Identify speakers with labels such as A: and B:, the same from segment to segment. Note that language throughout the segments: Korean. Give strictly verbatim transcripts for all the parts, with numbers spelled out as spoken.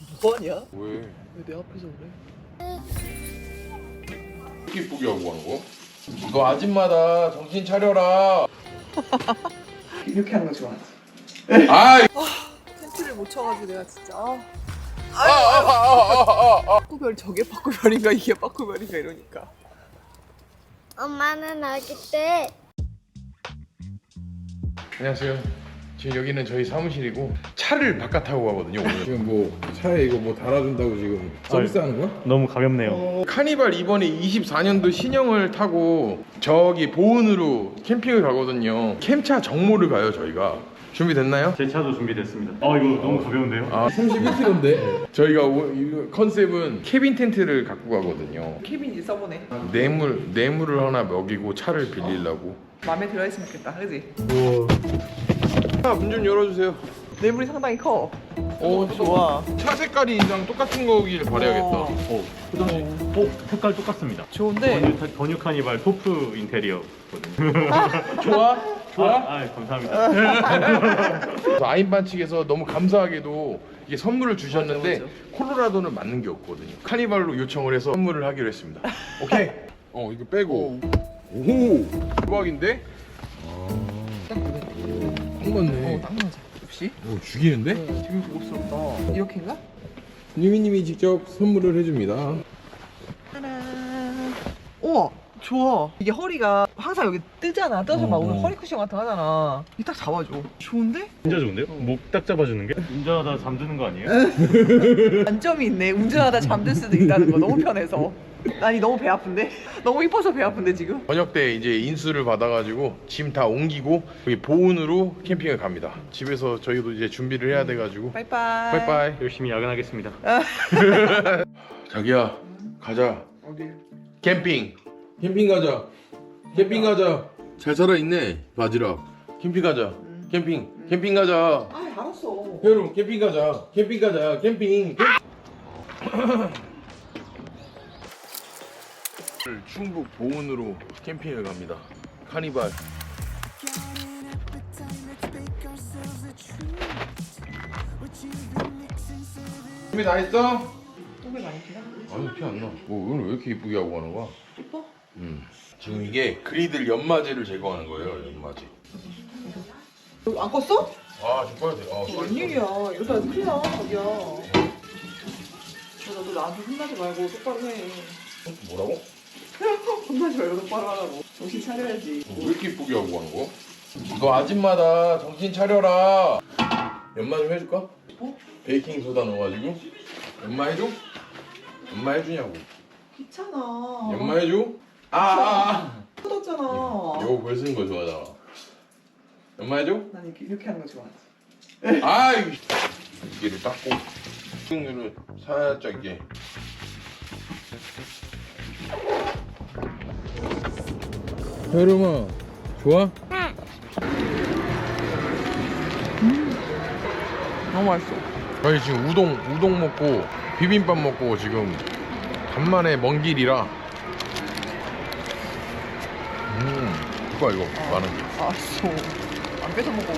A: 뭐하냐?
B: 왜?
A: 왜 내 앞에서 그래?
B: 이렇게 이쁘게 하고 가는 거? 너 아줌마다 정신 차려라.
A: 이렇게 하는 거 좋아하지?
B: 아이.
A: 텐트를 못 쳐가지고 내가 진짜 아.
B: 아아아아아.
A: 빠꾸별 저게 빠꾸별인가 이게 빠꾸별인가 이러니까.
C: 엄마는 아기 때
B: 안녕하세요. 지금 여기는 저희 사무실이고 차를 바깥 타고 가거든요. 오늘. 지금 뭐 차에 이거 뭐 달아준다고 지금 서비스하는 거야?
D: 너무 가볍네요.
B: 어, 카니발 이번에 이십사 년도 신형을 타고 저기 보은으로 캠핑을 가거든요. 캠차 정모를 가요 저희가. 준비됐나요?
D: 제 차도 준비됐습니다. 아 이거 너무 가벼운데요?
B: 아 삼십일 킬로그램인데 저희가 오, 이 컨셉은 케빈 텐트를 갖고 가거든요.
A: 케빈이 써보네.
B: 뇌물 뇌물을 하나 먹이고 차를 빌리려고.
A: 마음에 들어있으면 좋겠다, 그지?
B: 아, 문 좀 열어주세요.
A: 뇌물이 상당히 커.
B: 오
A: 좋아.
B: 차 색깔이랑 똑같은 거길 바래야겠다.
D: 어, 그다음에 어 색깔 똑같습니다.
A: 좋은데.
D: 버뉴, 버뉴 카니발 토프 인테리어거든요.
B: 좋아? 좋아?
D: 아, 아 감사합니다.
B: 아인반 측에서 너무 감사하게도 이게 선물을 주셨는데
A: 맞아,
B: 콜로라도는 맞는 게 없거든요. 카니발로 요청을 해서 선물을 하기로 했습니다. 오케이. 어 이거 빼고. 오 대박인데?
A: 딱 그래.
B: 딱 맞네.
A: 어, 딱 맞아. 역시.
B: 오 죽이는데?
A: 되게 고급스럽다. 이렇게인가?
B: 유미님이 직접 선물을 해줍니다.
A: 짜란. 우와, 좋아. 이게 허리가 항상 여기 뜨잖아. 떠서 막
B: 어,
A: 오늘
B: 어.
A: 허리 쿠션 같은 거 하잖아. 이게 딱 잡아줘. 좋은데?
D: 진짜 좋은데요? 목 딱 잡아주는 게? 운전하다 잠드는 거 아니에요?
A: 단점이 있네. 운전하다 잠들 수도 있다는 거. 너무 편해서. 아니 너무 배 아픈데? 너무 이뻐서 배 아픈데 지금?
B: 저녁 때 이제 인수를 받아가지고 짐 다 옮기고 여기 보은으로 캠핑을 갑니다. 집에서 저희도 이제 준비를 해야 돼가지고.
A: 빠이빠이.
B: 빠이빠이.
D: 열심히 야근하겠습니다.
B: 자기야 가자.
A: 어디?
B: 캠핑. 캠핑 가자. 캠핑 가자. 잘 살아있네 바지락. 캠핑 가자. 캠핑. 캠핑 가자.
A: 아 알았어.
B: 여러분 캠핑 가자. 캠핑 가자. 캠핑. 충북 보은으로 캠핑을 갑니다. 카니발. 준비 다 했어?
A: 똥배 많이 피나?
B: 아니 피 안 나. 뭐 오늘 왜 이렇게 이쁘게 하고 가는 거야?
A: 이뻐?
B: 음. 지금 이게 그리들 연마제를 제거하는 거예요. 연마제.
A: 너 안 껐어?
B: 아 지금 꺼야 돼. 아,
A: 웬일이야. 이러다 큰일 나 자기야. 너도 나한테 혼나지 말고 똑바로 해.
B: 뭐라고?
A: 혼나지 말고 똑바로 하라고. 정신 차려야지.
B: 왜 이렇게 이쁘게 하고 가는 거? 너 아줌마다 정신 차려라. 연마 좀 해줄까?
A: 어?
B: 베이킹 소다 넣어가지고 연마 해줘? 연마 해주냐고.
A: 귀찮아.
B: 연마 해줘? 아, 아, 아.
A: 터졌잖아.
B: 이거 글 쓰는 거 좋아하잖아. 연마 해줘?
A: 난 이렇게, 이렇게 하는 거 좋아하지.
B: 아이 이를 닦고 식용유를 살짝 이게. 여름아 좋아?
A: 너무 맛있어.
B: 저희 지금 우동 우동 먹고 비빔밥 먹고 지금 간만에 먼 길이라. 음 이거 이거 많은 게.
A: 알았어. 안 뺏어 먹고.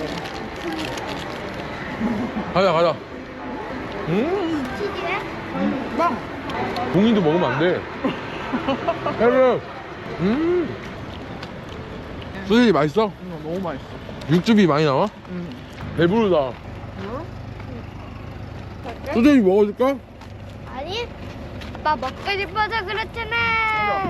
B: 가자 가자. 음
C: 치즈에
A: 빵.
B: 공인도 먹으면 안 돼. 여름. 음 소시지 맛있어?
A: 응, 너무 맛있어.
B: 육즙이 많이 나와?
A: 응.
B: 배부르다.
A: 응?
B: 소시지 먹어줄까?
C: 아니 아빠 먹고 싶어서 그렇잖아.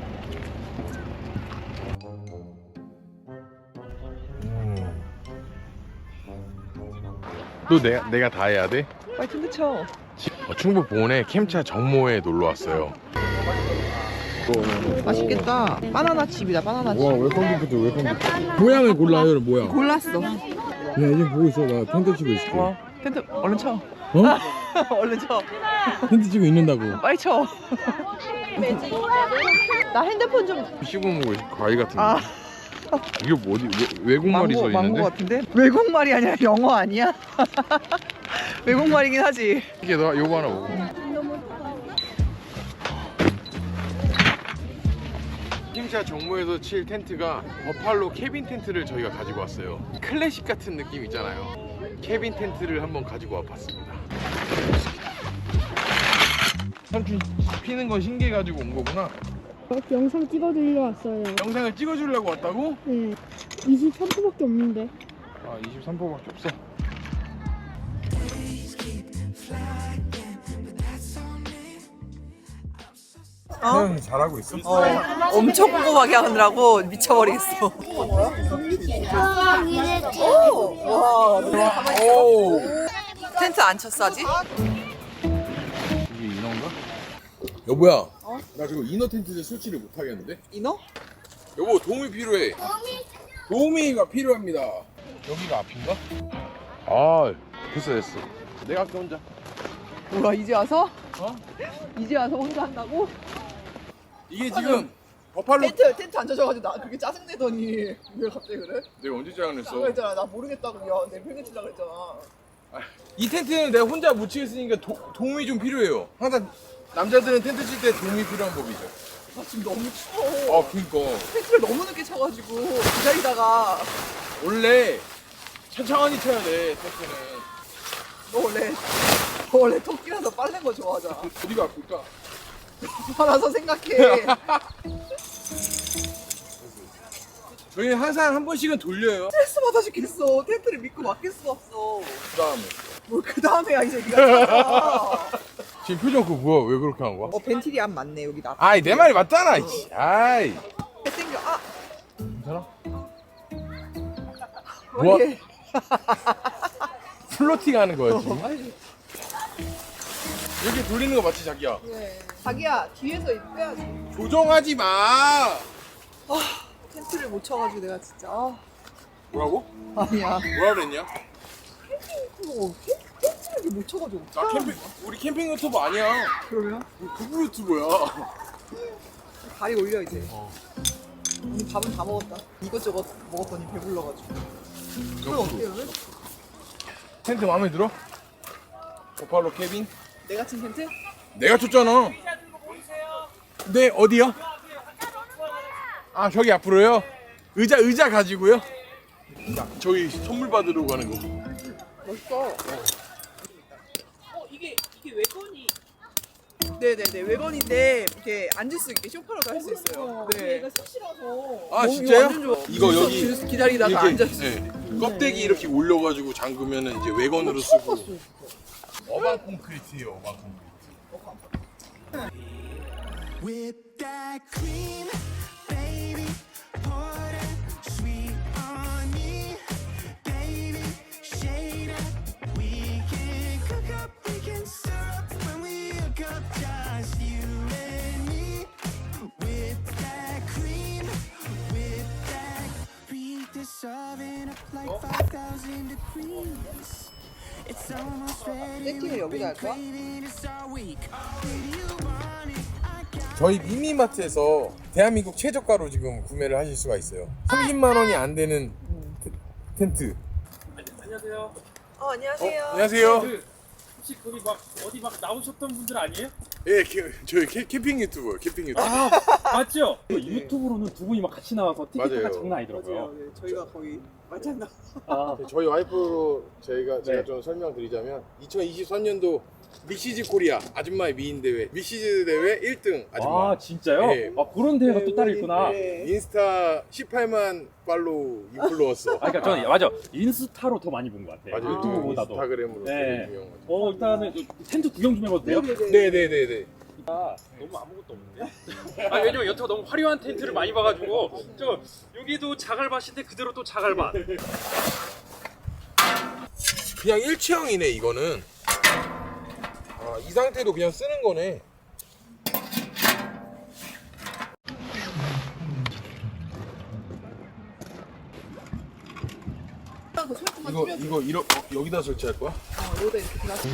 B: 또 내가 내가 다 해야 돼?
A: 빨리 텐트 쳐.
B: 어, 충북 보은에 캠차 정모에 놀러 왔어요.
A: 맛있겠다. 바나나 칩이다. 바나나 칩.
B: 와 웰컴 기프트 웰컴 기프트. 모양을 골라요 모양.
A: 골랐어.
B: 야 이제 보고 있어. 나 텐트 치고 있을게.
A: 와, 텐트 얼른 쳐.
B: 어?
A: 얼른 쳐.
B: 텐트 치고 있는다고.
A: 빨리 쳐. 나 핸드폰 좀.
B: 씹어먹은 거 과일 같은데.
A: 아,
B: 이게 뭐지? 외, 외국말이 써
A: 망고, 망고
B: 있는데?
A: 같은데? 외국말이 아니라 영어 아니야? 외국말이긴 하지.
B: 이게 너 요거 하나 먹어. 캠차 정모에서 칠 텐트가 버팔로 캐빈 텐트를 저희가 가지고 왔어요. 클래식 같은 느낌 있잖아요. 캐빈 텐트를 한번 가지고 와봤습니다. 삼촌 피는 거 신기해가지고 온 거구나.
E: 영상 찍어드리러 왔어요.
B: 영상을 찍어주려고 왔다고?
E: 네. 이십삼 포밖에 없는데.
B: 아 이십삼 포밖에 없어.
A: 어?
B: 잘하고 있어?
A: 어, 엄청 꼼꼼하게 하느라고 미쳐버리겠어. 와,
B: 오.
A: 텐트 안 쳤어 아직?
B: 이게 인어인가? 여보야. 나 지금 인어 텐트에 설치를 못 하겠는데?
A: 인어?
B: 여보 도움이 필요해. 도우미가 필요합니다. 여기가 앞인가? 아 됐어 됐어. 내가 할게 혼자.
A: 뭐야 이제 와서?
B: 어?
A: 이제 와서 혼자 한다고?
B: 이게 지금 버팔로.
A: 텐트 텐트 안 쳐져가지고 나 그렇게 짜증내더니 왜 갑자기 그래?
B: 내가 언제 짜증냈어?
A: 그랬잖아 나 모르겠다고 야내 편에 치려고 그랬잖아.
B: 이 텐트는 내가 혼자 못 치겠으니까 도, 도움이 좀 필요해요. 항상 남자들은 텐트 칠 때 도움이 필요한 법이죠.
A: 나 지금 너무 추워.
B: 아 그니까
A: 텐트를 너무 늦게 쳐가지고 기다리다가
B: 원래 천천히 쳐야 돼 텐트는.
A: 너 원래 너 원래 토끼라서 빠른 거 좋아하잖아.
B: 어디가 아플까?
A: 알아서 생각해.
B: 저희는 항상 한 번씩은 돌려요.
A: 스트레스 받아 죽겠어. 텐트를 믿고 맡길 수 없어.
B: 그 다음에
A: 뭘 그 다음에야 이제 네가 찾아.
B: 지금 표정 그거 뭐야? 왜 그렇게 한 거야?
A: 어 벤til이 안 맞네 여기 나.
B: 아이 내 말이 맞잖아. 이씨. 아이
A: 생겨. 아
B: 괜찮아?
A: 뭐?
B: 뭐? 플로팅 하는 거야 지금. 이렇게 돌리는 거 맞지 자기야?
A: 네. 자기야 뒤에서 이거 빼야지.
B: 조정하지 마.
A: 아 텐트를 못 쳐가지고 내가 진짜. 아,
B: 뭐라고?
A: 아니야.
B: 뭐라 그랬냐?
A: 어, 텐트를 못 쳐가지고.
B: 나 캠핑 우리 캠핑 유튜버 아니야.
A: 그러면
B: 우리 부부 유튜버야.
A: 다리 올려 이제.
B: 어.
A: 오늘 밥은 다 먹었다. 이것저것 먹었더니 배불러가지고. 그럼 어떻게 그러면?
B: 텐트 마음에 들어? 버팔로 캐빈?
A: 내가 친 텐트?
B: 내가 쳤잖아. 네 어디요? 아 저기 앞으로요? 의자 의자 가지고요? 자, 저희 선물 받으러 가는 거.
A: 멋있어. 어 이게 이게 외건이. 네네네 외건인데 이렇게 앉을 수 있게 소파로도 할 수 있어요. 네. 얘가 셋이라서.
B: 아 진짜요?
A: 완전 좋아.
B: 이거 여기
A: 줄에서 기다리다가 앉아 있어.
B: 네, 껍데기 이렇게 올려가지고 잠그면은 이제 외건으로 쓰고. 어반 콘크리트예요 어반 콘크리트.
F: Whip that cream, baby. Pour that sweet on me, baby. Shade up. We can cook up, we can syrup when we hook up, just you and me. Whip that cream, whip that. Beat this oven up like five thousand degrees. It's almost ready.
A: 세팅을 여기다 할 거야?
F: Craving it all week. Baby, you want it. I got
B: 저희 미니마트에서 대한민국 최저가로 지금 구매를 하실 수가 있어요. 삼십만 원이 안 되는 테- 텐트.
A: 어 안녕하세요.
B: 안녕하세요.
D: 혹시 거기 막 어디 막 나오셨던 분들 아니에요?
B: 예, 캐, 저희 캐, 캠핑 유튜버, 캠핑 유튜버.
D: 아 맞죠? 유튜브로는 두 분이 막 같이 나와서
B: 맞아요.
D: 티켓가 장난 아니더라고요.
A: 맞아요. 네, 저희가 거의 맞잖아.
D: 아,
B: 저희 와이프로 저희가 제가
D: 네.
B: 좀 설명드리자면 이천이십삼 년도 미시즈 코리아 아줌마의 미인 대회 미시즈 대회 일 등 아줌마.
D: 아 진짜요?
B: 네.
D: 아 그런 대회가 또 따로 있구나.
A: 네.
B: 인스타 십팔만 팔로우 인플루언서.
D: 아 그러니까 저는 맞아 인스타로 더 많이 본 것 같아요.
B: 맞아요.
D: 유튜브보다도.
B: 인스타그램으로
D: 네.
B: 되게 유명한 거죠.
D: 어 일단은 텐트 구경 좀 해봐도 돼요?
B: 네네네네.
D: 아, 너무 아무것도 없는데? 아 왜냐면 여태가 너무 화려한 텐트를 많이 봐가지고 저 여기도 자갈밭인데 그대로 또 자갈밭.
B: 그냥 일체형이네 이거는. 아, 이 상태도 그냥 쓰는 거네. 이거 이거 이러, 어, 여기다 설치할 거야?
A: 어, 여기다 이렇게 들어가서.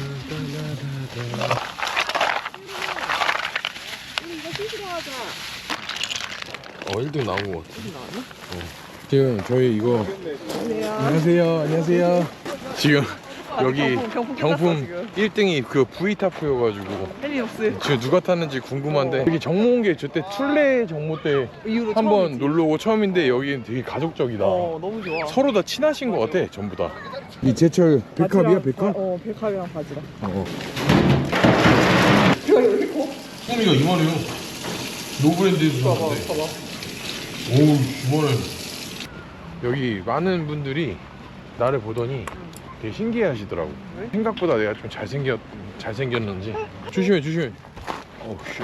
B: 어 일 등 나온 거 같아. 어. 지금 저희 이거 안녕하세요. 안녕하세요. 지금 여기
A: 경품, 경품
B: 경품
A: 끝났어, 지금.
B: 일 등이 그 V타프여가지고
A: 헬리옥스
B: 지금 누가 탔는지 궁금한데 여기 정모 온 게 저때 툴레 정모 때
A: 이후로
B: 한번
A: 처음이지.
B: 놀러 오고 처음인데 여기는 되게 가족적이다.
A: 어 너무 좋아.
B: 서로 다 친하신 것 같아 전부 다. 이 제철 백합이야 백합?
A: 어 백합이랑 바지랑.
B: 어.
A: 이거 여기 고
B: 쭈꾸미가 이만해요. 노브랜드에서 샀는데.
A: 봐봐.
B: 오우, 이만해. 여기 많은 분들이 나를 보더니 되게 신기해 하시더라고. 생각보다 내가 좀 잘생겼, 잘생겼는지. 조심해, 조심해. 어우, 씨.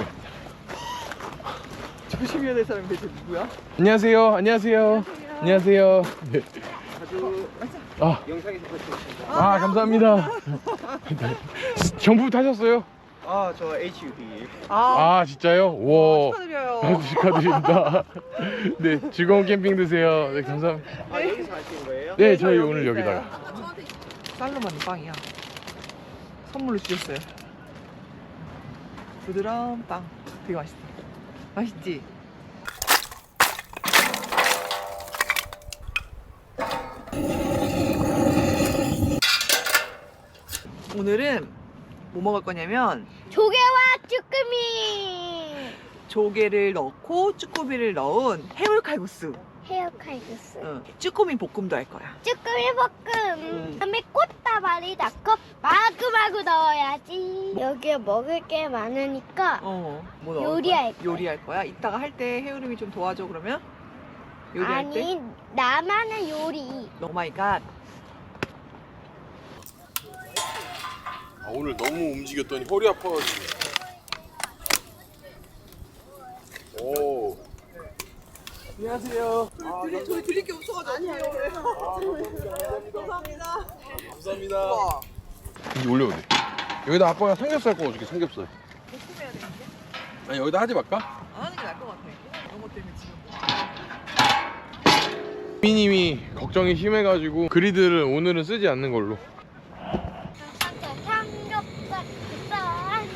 A: 조심해야 될 사람이 대체 누구야?
B: 안녕하세요. 안녕하세요. 안녕하세요. 네.
A: 아주
B: 아, 아, 감사합니다. 경품 타셨어요?
G: 아, 저 에이치유디.
A: 아,
B: 아, 진짜요? 와.
A: 축하드려요.
B: 축하드립니다. 네, 즐거운 캠핑 되세요. 네, 감사합니다.
G: 아, 여기서 하시는 거예요?
B: 네, 저희 오늘
A: 있어요.
B: 여기다가.
A: 살로만 빵이야. 선물로 주셨어요. 부드러운 빵. 되게 맛있다. 맛있지? 오늘은 뭐 먹을 거냐면
C: 조개와 쭈꾸미.
A: 조개를 넣고 쭈꾸미를 넣은 해물 칼국수.
C: 헤어 칼국수.
A: 응. 쭈꾸미 볶음도 할 거야.
C: 쭈꾸미 볶음. 그다음에 꽃다발이 넣고 마구마구 넣어야지. 여기에 먹을 게 많으니까
A: 어. 뭐 넣을
C: 요리할
A: 거야?
C: 거야.
A: 요리할 거야. 이따가 할 때 해우름이 좀 도와줘 그러면? 요리할 때?
C: 아니 나만의 요리.
A: 오 마이 갓.
B: 아, 오늘 너무 움직였더니 허리 아파가지고. 오. 안녕하세요.
A: 아, 저희, 저희 드릴 게 없어가지고. 아니에요. 감사합니다.
B: 감사합니다.
A: 와.
B: 이제 올려도 돼. 여기다 아빠가 삼겹살 구워줄게, 삼겹살.
A: 볶음해야 되는데?
B: 아니, 여기다 하지 말까?
A: 안 하는 게 나을 것 같아. 이런 것 때문에 지금.
B: 미님이 걱정이 심해가지고 그리드를 오늘은 쓰지 않는 걸로.
C: 삼겹살 살.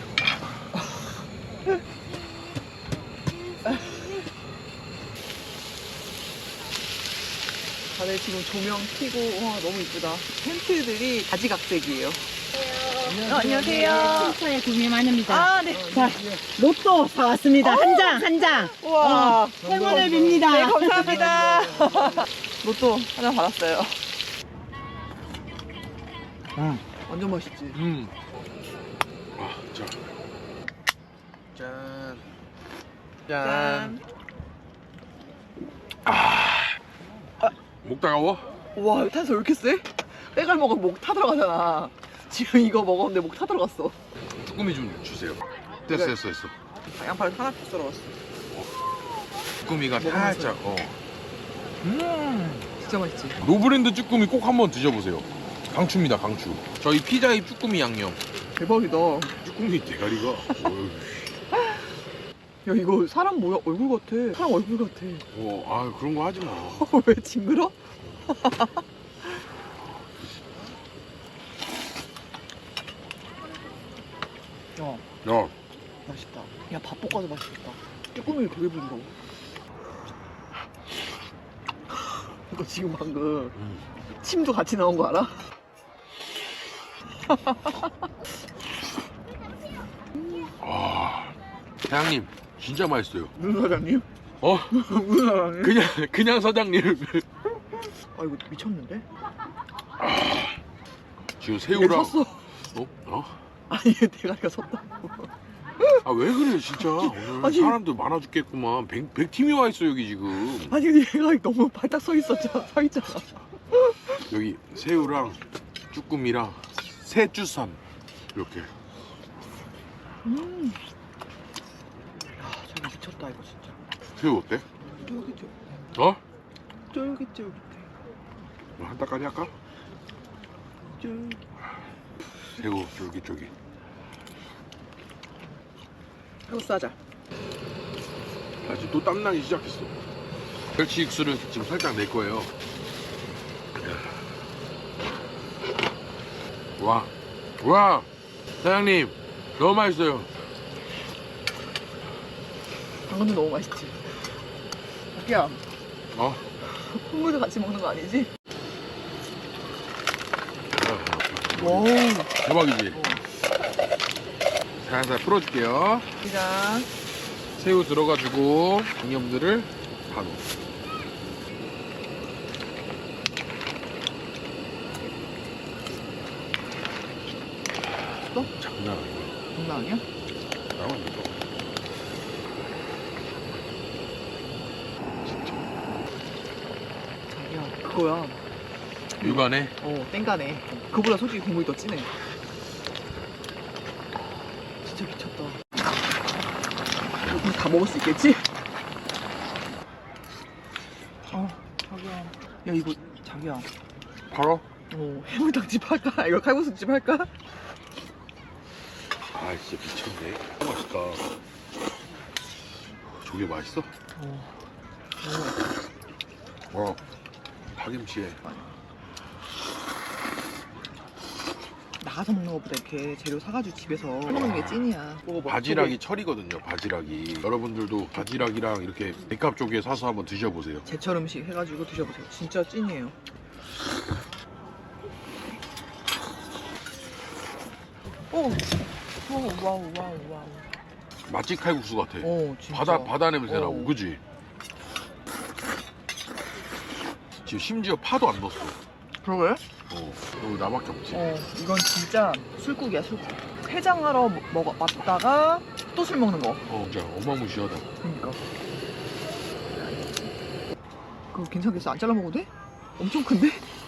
A: 다들 지금 조명 켜고 와 너무 이쁘다. 텐트들이 가지각색이에요. 어, 안녕하세요.
E: 차에 구매 많습니다.
A: 아 네.
E: 자, 로또 사왔습니다. 한 장, 한 장.
A: 우와.
E: 행운을 빕니다.
A: 네 감사합니다. 로또 하나 받았어요.
B: 음.
A: 완전 맛있지.
B: 음. 아, 자. 짠. 짠.
A: 짠.
B: 목 따가워?
A: 와 탄소 왜 이렇게 세? 빼갈 먹으면 목 타 들어가잖아. 지금 이거 먹었는데 목 타 들어갔어.
B: 쭈꾸미 좀 주세요. 됐어, 됐어, 됐어.
A: 양파를 하나 씩 썰어갔어.
B: 쭈꾸미가 살짝, 어.
A: 음 진짜 맛있지.
B: 노브랜드 쭈꾸미 꼭 한번 드셔보세요. 강추입니다, 강추. 저희 피자의 쭈꾸미 양념.
A: 대박이다.
B: 쭈꾸미 대가리가. 어휴.
A: 야 이거 사람 뭐야 얼굴 같아. 사람 얼굴 같아.
B: 어, 아 그런 거 하지 마.
A: 왜 징그러? 야
B: 야,
A: 맛있다. 야 밥 볶아서 맛있겠다. 쭈꾸미를 되게 부드러워. 이거 지금 방금
B: 음.
A: 침도 같이 나온 거 알아?
B: 아, 사장님 진짜 맛있어요.
A: 무슨 사장님?
B: 어,
A: 무슨 사장님?
B: 그냥 그냥 사장님.
A: 아 이거 미쳤는데?
B: 지금
A: 얘
B: 새우랑.
A: 섰어.
B: 어? 어?
A: 아니 얘 대가리가 섰다.
B: 아 왜 그래 진짜. 오늘
A: 아니.
B: 사람들 많아 죽겠구만. 백, 백 팀이 와 있어 여기 지금.
A: 아니 얘가 너무 발딱 서 있었잖아. 서 있잖아.
B: 여기 새우랑 쭈꾸미랑 새쭈삼 이렇게.
A: 음. 야 저거 미쳤다 이거 진짜.
B: 새우 어때?
A: 쫄깃쫄깃.
B: 어?
A: 쫄깃쫄깃해.
B: 한 따까리 할까?
A: 쫄깃.
B: 새우 쫄깃쫄깃.
A: 이거 싸자.
B: 나 지금 또 땀나기 시작했어. 멸치 육수를 지금 살짝 낼 거예요. 와, 와, 사장님 너무 맛있어요.
A: 당근도 너무 맛있지. 야,
B: 어?
A: 콩물도 같이 먹는 거 아니지? 와우.
B: 대박이지. 살살 풀어줄게요.
A: 그냥
B: 새우 들어가지고 양념들을 다 넣어.
A: 또?
B: 장난 아니야.
A: 장난 아니야?
B: 나만 믿어.
A: 그거야.
B: 육안에
A: 어, 땡가네. 그보다 솔직히 국물이 더 진해. 진짜 미쳤다. 이거 다 먹을 수 있겠지? 어, 자기야. 야, 이거, 자기야.
B: 팔어?
A: 어, 해물탕집 할까? 이거 칼국수집 할까?
B: 아 진짜 미쳤네. 맛있다. 조개 맛있어?
A: 어.
B: 어. 파김치에.
A: 나가서 먹는 것보다 이렇게 재료 사가지고 집에서 해먹는 게 찐이야. 먹어봐.
B: 바지락이 철이거든요. 바지락이. 여러분들도 바지락이랑 이렇게 백합 조개 사서 한번 드셔보세요.
A: 제철 음식 해가지고 드셔보세요. 진짜 찐이에요. 오, 오, 와우, 와우, 와우.
B: 맛집 칼국수 같아.
A: 오, 진짜.
B: 바다 바다 냄새 나고,
A: 어.
B: 그지? 지금 심지어 파도 안 넣었어.
A: 그러게?
B: 어, 여기 나밖에 없지.
A: 어, 이건 진짜 술국이야, 술국. 해장하러 먹, 먹, 왔다가 또 술 먹는 거.
B: 어, 진짜 어마무시하다.
A: 그러니까. 그거 괜찮겠어? 안 잘라 먹어도 돼? 엄청 큰데?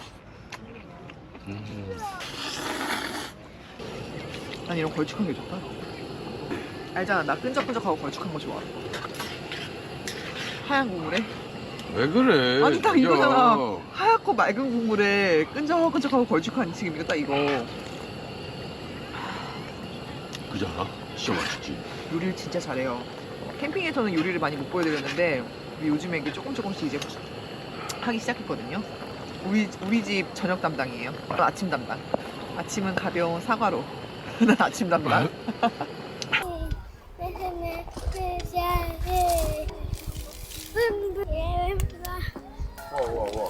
B: 음.
A: 난 이런 걸쭉한 게 좋다. 알잖아, 나 끈적끈적하고 걸쭉한 거 좋아. 하얀 국물에?
B: 왜 그래?
A: 아니, 딱
B: 진짜.
A: 이거잖아. 하얗고 맑은 국물에 끈적끈적하고 걸쭉한 지금 이거 딱 이거.
B: 그지 않아? 진짜 맛있지.
A: 요리를 진짜 잘해요. 캠핑에서는 요리를 많이 못 보여드렸는데 요즘에 이게 조금 조금씩 이제 하기 시작했거든요. 우리 우리 집 저녁 담당이에요. 또 아침 담당. 아침은 가벼운 사과로. 난 아침 담당.
B: 와, 와, 와.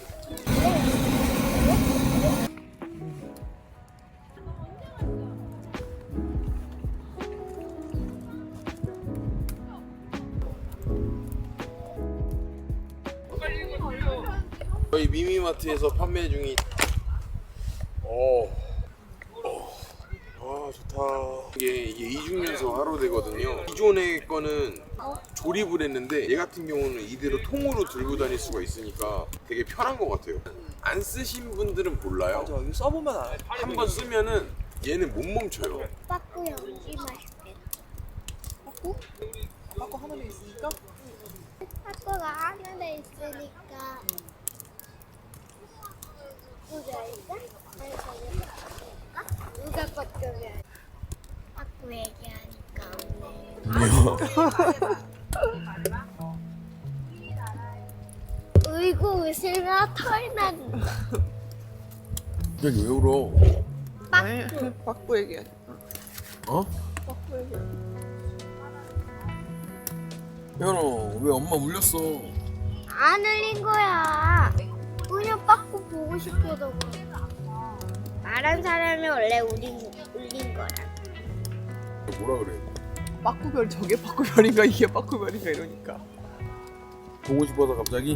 B: 저희 미미마트에서 판매 중인. 오. 아 좋다. 이게 이게 이중연소 하루 되거든요. 기존의 거는 조립을 했는데 얘 같은 경우는 이대로 통으로 들고 다닐 수가 있으니까 되게 편한 것 같아요. 안 쓰신 분들은 몰라요.
A: 맞아, 이거 써보면 알아.
B: 한 번 쓰면은 얘는 못 멈춰요.
C: 빠꾸 연기 맛있겠다.
A: 빠꾸? 빠꾸 하늘에 있으니까?
C: 빠꾸가 하늘에 있으니까. 누가 일까? 아니, 저기 빠꾸가? 누가 빠꾸면? 빠꾸 얘기하니까 없네. 울고 웃으며 털 난다.
B: 여기 왜 울어?
A: 네, 빠꾸 얘기해.
B: 어?
A: 빠꾸 얘기해.
B: 현호 왜 엄마 울렸어?
C: 안 울린 거야. 그냥 빠꾸 보고 싶어서 그래. 말한 사람이 원래 울린, 울린 거라.
B: 뭐라 그래?
A: 빠꾸별 저게 빠꾸별인가 이게 빠꾸별인가 이러니까.
B: 보고 싶어서 갑자기?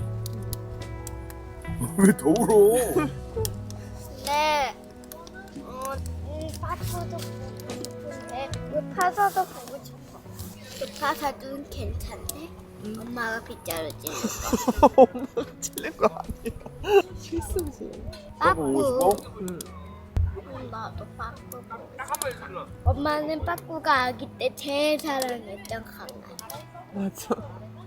B: 왜 더 울어?
C: 네. 어, 음, 빠꾸도 보고 싶은데 급파서도 보고 싶어. 급파서도 괜찮네. 엄마가 빗자루 찌는 거.
A: 엄마가 찔린 거 아니야. 실수지.
C: 빠꾸.
A: 응.
C: 음, 나도 빠꾸 보고 싶어. 엄마는 빠꾸가 아기 때 제일 사랑했던 강아지.
A: 맞아.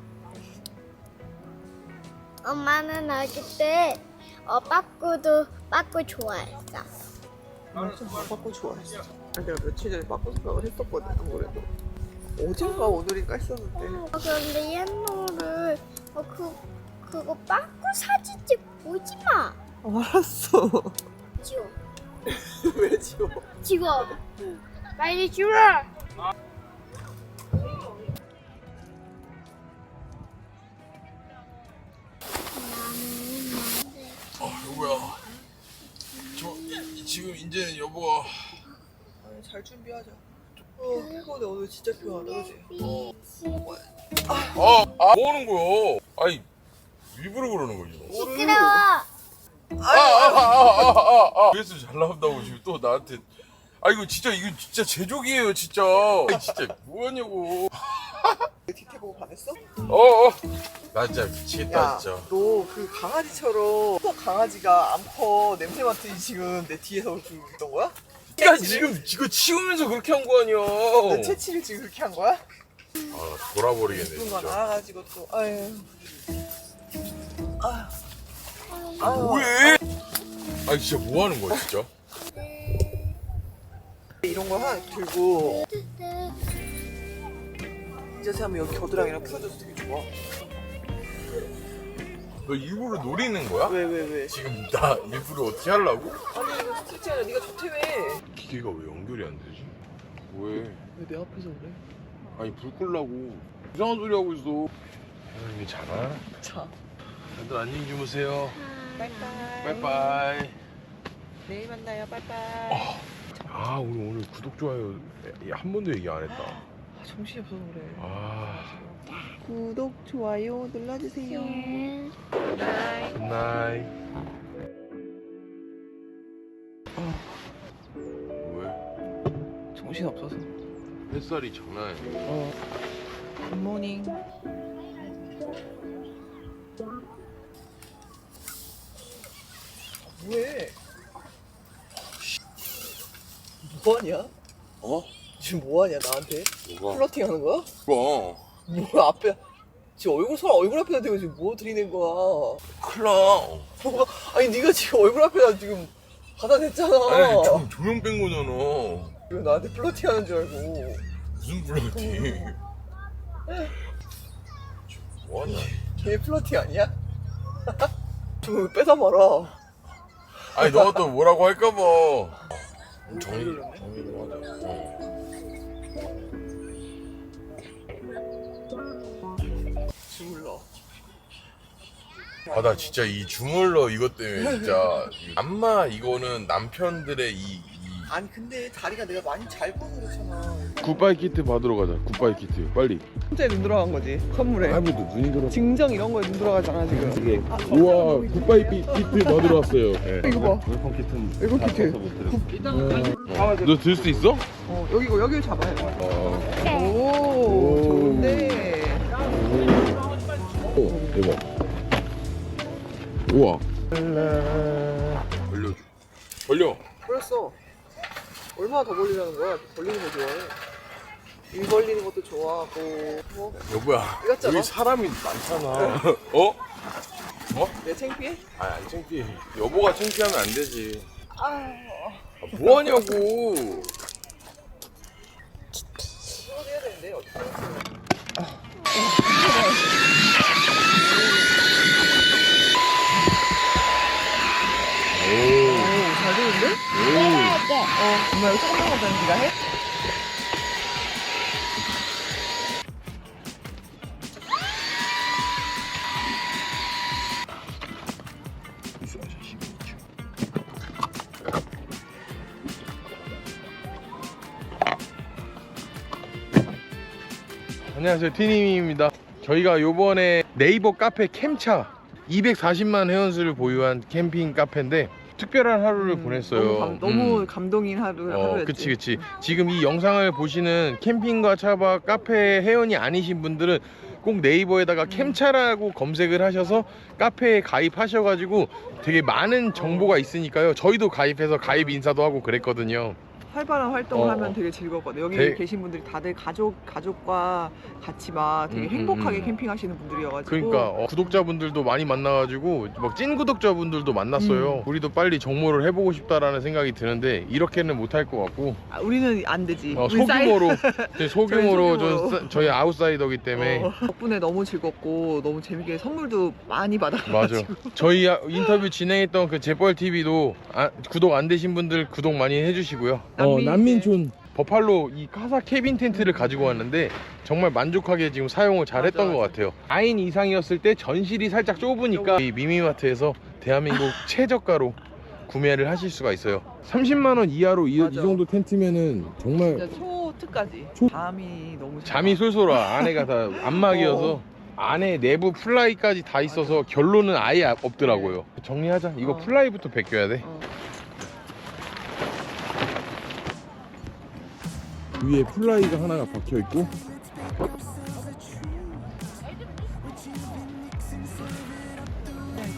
C: 엄마는 아기 때 어, 빠꾸도 빠꾸 좋아했어.
A: 맞아. 빠꾸 좋아했어. 내가 며칠 전에 빠꾸 생각을 했었거든. 안 그래도. 어젠가 오늘인가 했었는데.
C: 어, 그런데 옛날에 어, 그 그거 빠꾸 사진집 보지 마.
A: 알았어.
C: 지워.
A: 왜 지워?
C: 지워. 빨리 지워.
B: 아 여보야. 저 지금 이제 여보가
A: 아니, 잘 준비하자. 어, 피곤해. 오늘 진짜 피곤하다, 그지?
B: 아, 아, 뭐 하는 거야? 아이, 일부러 그러는 거지.
C: 시끄러워.
B: 아, 아, 아, 아, 아, 아. 그래서 잘 나온다고 지금 또 나한테. 아, 이거 진짜, 이거 진짜 제족이에요, 진짜. 아이, 진짜, 뭐 하냐고.
A: 티켓 보고 반했어?
B: 어, 어. 나 진짜 미치겠다,
A: 야,
B: 진짜.
A: 너 그 강아지처럼 강아지가 암컷 냄새 맡으니 지금 내 뒤에서 그러고 있던 거야?
B: 야 지금 이거 치우면서 그렇게 한 거 아니야?
A: 내 채취를 지금 그렇게 한 거야?
B: 아 돌아버리겠네
A: 이쁜 거
B: 진짜.
A: 나와가지고 또 아유 아 아유
B: 뭐해? 아 진짜 뭐 하는 거야 진짜?
A: 이런 거 하나 들고 이 자세 하면 여기 겨드랑이랑 풀어줘서 되게 좋아.
B: 너 일부러 노리는 거야?
A: 왜 왜 왜?
B: 지금 나 일부러 어떻게 하려고?
A: 아니 이거 스트레치 아니라 네가 좋다며.
B: 기계가 왜 연결이 안 되지? 뭐해?
A: 왜 내 앞에서 그래?
B: 아니 불 끌라고 이상한 소리 하고 있어. 혜연이 자나?
A: 자
B: 다들 안녕히 주무세요.
A: 빠이빠이.
B: 빠이빠이.
A: 내일 만나요. 빠이빠이.
B: 아 우리 오늘 구독 좋아요 한 번도 얘기 안 했다.
A: 아, 정신이 없어서 그래.
B: 아
A: 구독 좋아요 눌러주세요. 바이.
B: 굿나잇. 왜?
A: 정신 없어서.
B: 햇살이 장난 아니야.
A: 어. 굿모닝. 뭐해? 뭐하냐?
B: 어?
A: 지금 뭐하냐 나한테?
B: 뭐가?
A: 플러팅 하는 거야?
B: 뭐가?
A: 뭐 앞에 지금 얼굴 손 얼굴 앞에다 대고 지금 뭐 들이댄 거야?
B: 클라.
A: 뭐가 아니 네가 지금 얼굴 앞에다 지금 갖다 댔잖아.
B: 아니 조, 조명 뺀 거잖아.
A: 왜 나한테 플러팅 하는 줄 알고?
B: 무슨 플러팅? 뭐하냐?
A: 걔 플러팅 아니야? 좀 뺏어 말아.
B: 아니 너가 또 뭐라고 할까봐. 정리 정리 좀 하자. 어.
A: 주물러.
B: 아 나 진짜 이 주물러 이것 때문에 진짜 안마 이거는 남편들의 이, 이...
A: 아니 근데 다리가 내가 많이 잘 부어졌잖아.
B: 굿바이 키트 받으러 가자. 굿바이 키트 빨리.
A: 혼자에 눈 들어간 거지 선물에.
B: 할머니도 눈이 들어.
A: 증정 이런 거에 눈 들어가잖아 지금.
B: 이게 우와 굿바이 키- 키트 받으러 왔어요.
A: 이거 봐.
H: 웰컴 키트는
A: 이거 키트.
B: 너 들 수 있어?
A: 어 여기 이거 여기를 잡아요.
B: 어.
A: 오,
B: 오.
A: 좋은데.
B: 오 대박. 우와. 벌려줘. 벌려.
A: 벌렸어. 얼마나 더 벌리라는 거야? 벌리는 거 좋아해. 일 벌리는 것도 좋아하고. 뭐?
B: 여보야.
A: 이것저것.
B: 여기 사람이 많잖아. 어? 어?
A: 내 창피해?
B: 아니 안 창피해. 여보가 창피하면 안 되지.
A: 아,
B: 아, 뭐 하냐고.
A: 이거 해야 되는데 어떻게?
B: 오.
A: 오, 잘 되는데?
B: 오.
A: 어, 엄마 이거 조금 남았다는 네가 해?
B: 안녕하세요 티니미입니다. 저희가 요번에 네이버 카페 캠차 이백사십만 회원수를 보유한 캠핑 카페인데 특별한 하루를
A: 음,
B: 보냈어요.
A: 너무, 감, 너무
B: 음.
A: 감동인 하루,
B: 어,
A: 하루였지.
B: 그치 그치. 지금 이 영상을 보시는 캠핑과 차박 카페 회원이 아니신 분들은 꼭 네이버에다가
A: 음.
B: 캠차라고 검색을 하셔서 카페에 가입하셔가지고 되게 많은 정보가 있으니까요. 저희도 가입해서 가입 인사도 하고 그랬거든요.
A: 활발한 활동을
B: 어,
A: 하면
B: 어.
A: 되게 즐겁거든. 여기
B: 되게-
A: 계신 분들이 다들 가족 가족과 같이 막 되게
B: 음,
A: 행복하게
B: 음, 음.
A: 캠핑하시는 분들이어가지고.
B: 그러니까 어, 구독자분들도 많이 만나가지고 막 찐 구독자분들도 만났어요.
A: 음.
B: 우리도 빨리 정모를 해보고 싶다라는 생각이 드는데 이렇게는 못할 것 같고
A: 아, 우리는 안 되지.
B: 어,
A: 우리 사이-
B: 소규모로 저희 소규모로
A: 저희
B: 좀
A: 소규모로.
B: 싸- 저희 아웃사이더기 때문에
A: 어, 덕분에 너무 즐겁고 너무 재밌게 선물도 많이
B: 맞아.
A: 받아가지고.
B: 저희 아- 인터뷰 진행했던 그 재벌 티비도 아, 구독 안 되신 분들 구독 많이 해주시고요.
A: 난민-
B: 난민촌 버팔로 이 카사 케빈 텐트를 가지고 왔는데 정말 만족하게 지금 사용을 잘했던
A: 맞아,
B: 것
A: 맞아.
B: 같아요. 사 인 이상이었을 때 전실이 살짝 좁으니까 이 미미마트에서 대한민국 최저가로 구매를 하실 수가 있어요. 삼십만 원 이하로 이, 이
A: 맞아.
B: 정도 텐트면은 정말
A: 진짜 초특까지.
B: 초-
A: 잠이 너무 좋아.
B: 잠이 솔솔 와. 안에가 다 안막이어서
A: 어.
B: 안에 내부 플라이까지 다 있어서 결론은 아예 없더라고요. 정리하자. 이거
A: 어.
B: 플라이부터 벗겨야 돼.
A: 어.
B: 위에 플라이가 하나가 박혀 있고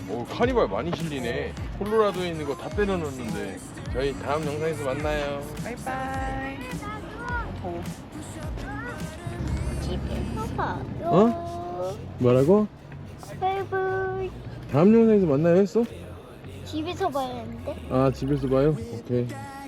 B: 오, 카니발 많이 실리네. 콜로라도에 있는 거 다 때려 넣었는데. 저희 다음 영상에서 만나요.
A: 바이바이. 더워.
C: 집에서 봐요.
B: 어? 뭐라고?
C: 바이바이.
B: 다음 영상에서 만나요 했어?
C: 집에서 봐야 하는데.
B: 아, 집에서 봐요? 오케이.